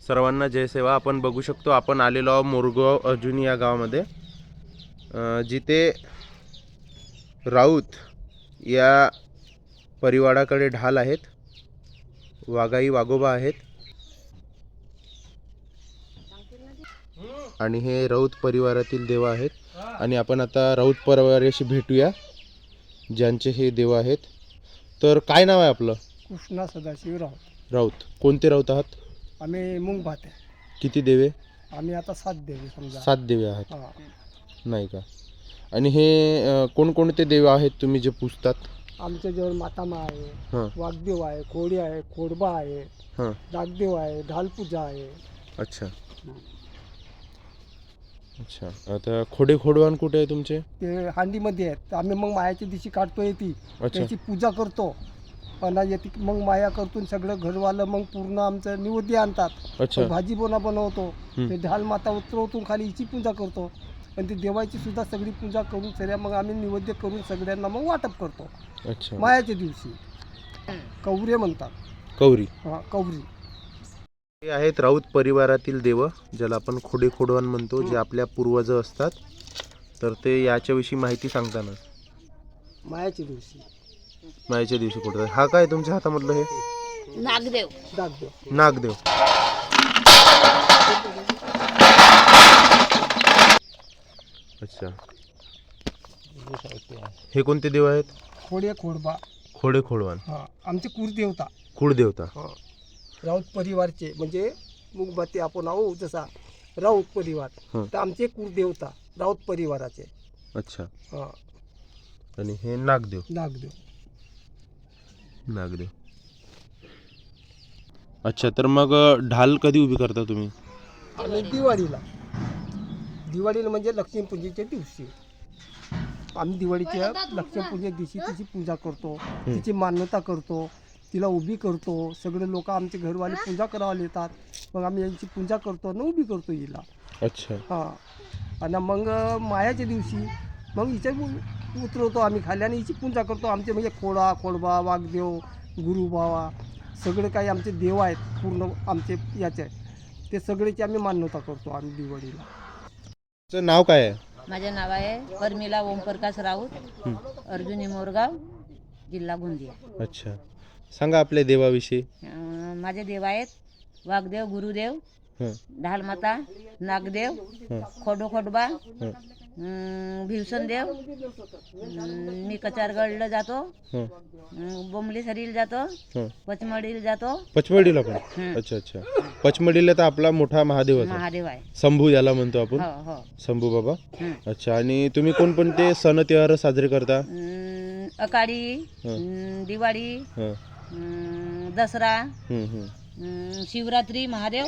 सर्वांना जय सेवा. आपण बघू शकतो आपण आलेलो आहोत मोरगाव अर्जुनी या गावामध्ये, जिथे राऊत या परिवाराकडे ढाल आहेत, वाघाई वाघोबा आहेत आणि हे राऊत परिवारातील देव आहेत. आणि आपण आता राऊत परिवाराशी भेटूया ज्यांचे हे देव आहेत. तर काय नाव आहे आपलं? कृष्णा सदाशिव राऊत. राऊत. कोणते राऊत आहात? आम्ही मुंग भात आहे. किती देवे? आम्ही आता 7 देवी समजा. 7 देवे आहात, हा. नाही का? आणि हे कोणकोणते देव आहेत तुम्ही जे पूजतात? आमच्या जवळ मातामा आहे, हां वाघदेव आहे, कोळी आहे, खोडबा आहे, हां. नागदेव आहे, ढालपूजा आहे. अच्छा अच्छा. आता खोडवान कुठे आहे तुमचे? ते हांडीमध्ये आहेत. आम्ही मग मायाच्या दिवशी काढतो ती, अच्छा त्याची पूजा करतो. आणि येते मग माया करतून सगळं घरवालं मग पूर्ण आमचं निवेद्य आणतात. अच्छा. मग भाजी बोना बनवतो, ते ढाल माता उतरवतून खाली हिची पूजा करतो आणि ती देवाची सुद्धा सगळी पूजा करून सगळ्या मग आम्ही निवेद्य करून सगळ्यांना मग वाटप करतो. अच्छा. मायाच्या दिवशी कवरे म्हणतात. कौरी. हा, कवरी. हे आहेत राऊत परिवारातील देव, ज्याला आपण खोडवान म्हणतो, जे आपल्या पूर्वज असतात. तर ते याच्याविषयी माहिती सांगताना मायाच्या दिवशी मायाच्या दिवशी कुठं. हा काय तुमच्या हातामधलं? हे नागदेव. नागदेव. नागदेव. अच्छा. हे कोणते देव आहेत? खोडबा. खोडवान. हा, आमचे कुलदेवता. कुळदेवता. हा, राऊत परिवारचे म्हणजे मुगबाती आपण आहो जसा राऊत परिवार, तर आमचे कुलदेवता राऊत परिवाराचे. अच्छा. हा. आणि हे नागदेव. नागदेव. नागदेव. अच्छा. तर मग ढाल कधी उभी करता तुम्ही? आणि दिवाळीला म्हणजे लक्ष्मीपूजेच्या दिवशी आम्ही दिवाळीच्या लक्ष्मीपूजे दिवशी तिची पूजा करतो, तिची मान्यता करतो, तिला उभी करतो. सगळे लोक आमचे घरवाले पूजा करायला येतात. मग आम्ही यांची पूजा करतो आणि उभी करतो हिला. अच्छा. हां. आणि मग मायाच्या दिवशी मग हिच्या उतरवतो आम्ही खाली आणि हिची पूजा करतो. आमचे म्हणजे खोडबा, वाघदेव, गुरुबावा सगळे काही आमचे देव आहेत पूर्ण आमचे याचे, ते सगळेची आम्ही मान्यता करतो आम्ही दिवाळीला. तुमचं नाव काय आहे? माझे नाव आहे परमिला ओमप्रकाश राऊत, अर्जुनी मोरगाव, जिल्हा गोंदिया. अच्छा. सांगा आपल्या देवाविषयी. माझे देव आहेत वाघदेव, गुरुदेव, ढालमाता, नागदेव, खोडबा, भिवसनदेव. मी कचारगडला जातो, बोंबली सरीला जातो, पचमडीला जातो. पचमडीला पण? अच्छा अच्छा. पचमडीला तर आपला मोठा महादेव आहे, शंभू याला म्हणतो आपण. हो. शंभू बाबा. अच्छा. आणि तुम्ही कोणकोणते सण त्योहार साजरे करता? अकाळी, दिवाळी, दसरा, शिवरात्री, महादेव.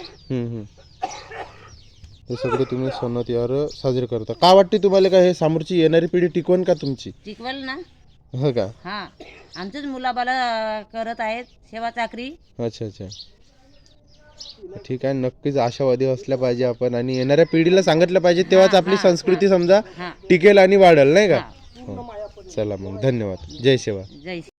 हे सगळे तुम्ही सण त्योहार साजरे करता. काय वाटते तुम्हाला, का हे समोरची येणारी पिढी टिकवण का तुमची? टिकवल ना. हो का? हा, आमचेच मुलाबाला करत आहेत सेवा चाकरी. अच्छा अच्छा. ठीक आहे. नक्कीच आशावादी असल्या पाहिजे आपण, आणि येणाऱ्या पिढीला सांगितलं पाहिजे, तेव्हाच आपली संस्कृती समजा टिकेल आणि वाढेल, नाही का? चला मग, धन्यवाद. जय सेवा. जय